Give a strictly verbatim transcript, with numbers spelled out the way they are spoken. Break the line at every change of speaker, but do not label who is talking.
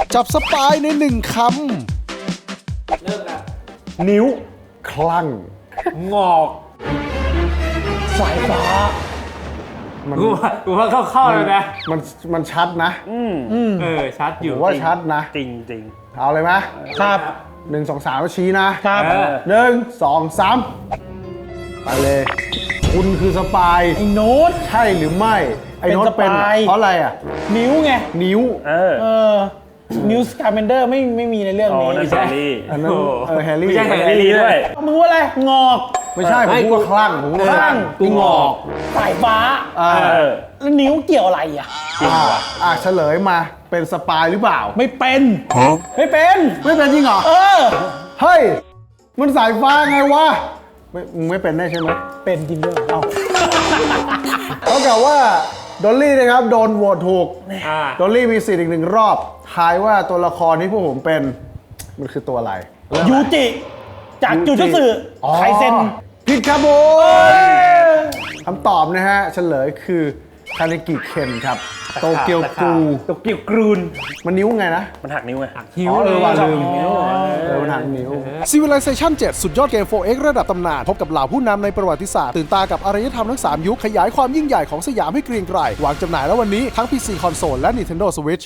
จับสปายในหนึ่งค
เริ่มแล้ว
นิ้วคลั่ง
งอก
สายฟ้า มัน
กูว่ากูว่าเข้าๆเลยนะ
มันมันชัดนะ
อืม
เออชัดอยู่
ผมว่าชัดนะ
จริงจริง
เอาเลยไหม
ำครับ
หนึ่งสองสามแล้วชี้นะครับ
เออ
หนึ่งสองสามไปเลย คุณคือสปาย
ไอ้โน้ต
ใช่หรือไม่ ไอ้โน้ต
เป็
เป็น
นสปาย
เพราะอะไรอ่ะ
นิ้วไง
นิ้ว
เออ
เออ นิวส์การ์เมนเดอร์ไม่ไม่มีในเรื่อง
อ๋อ
นี้
นั่นแฮร์รี่
อันนั้น
โอ้
เออแฮร์รี่
ไม่ใช่แฮ
แฮร์รี่ด้วย
มึงว่าอะไร งอก
ไม่ใช่ผม
ไม่
พูดว่าคลั่งผมพูดว่า
คลั่ง
กูงอก
สายฟ้า
อ่า
เออ
แล้วนิ้วเกี่ยวอะไรอ่ะ
อ่าอ่าเฉลยมาเป็นสปายหรือเปล่า
ไม่เป็น ไม่เป็น
ไม่เป็นจริงเหรอ
เออ
เฮ้ย มันสายฟ้าไงวะไม่มึงไม่เป็นแน่ใช่ไหม
เป็นจริงด้วยเอ้า
เท่ากับว่าดอลลี่นะครับโดนโหวตถูก
อ่า
ดอลลี่มีสิทธิ์อีกหนึ่งรอบทายว่าตัวละครที่พวกผมเป็นมันคือตัวอะไร
ยูจิ จากจูจูสึไคเซน
ผิดครับผมคำตอบนะฮะเฉลยคือคาเนกิเคนครับโตเกียวกรู
โตเกียวกรูน
มันนิ้วไงนะ
มันหักนิ้วไง
หิว
อ๋อเออว่ะลืม
หิว
เออมันหักนิ้ว
Civilization เจ็ด สุดยอดเกม โฟร์ เอ็กซ์ ระดับตำนาน พบกับเหล่าผู้นำในประวัติศาสตร์ ตื่นตากับอารยธรรมทั้ง สาม ยุค ขยายความยิ่งใหญ่ของสยามให้เกรียงไกรวางจำหน่ายแล้ววันนี้ทั้ง พี ซี คอนโซลและ Nintendo Switch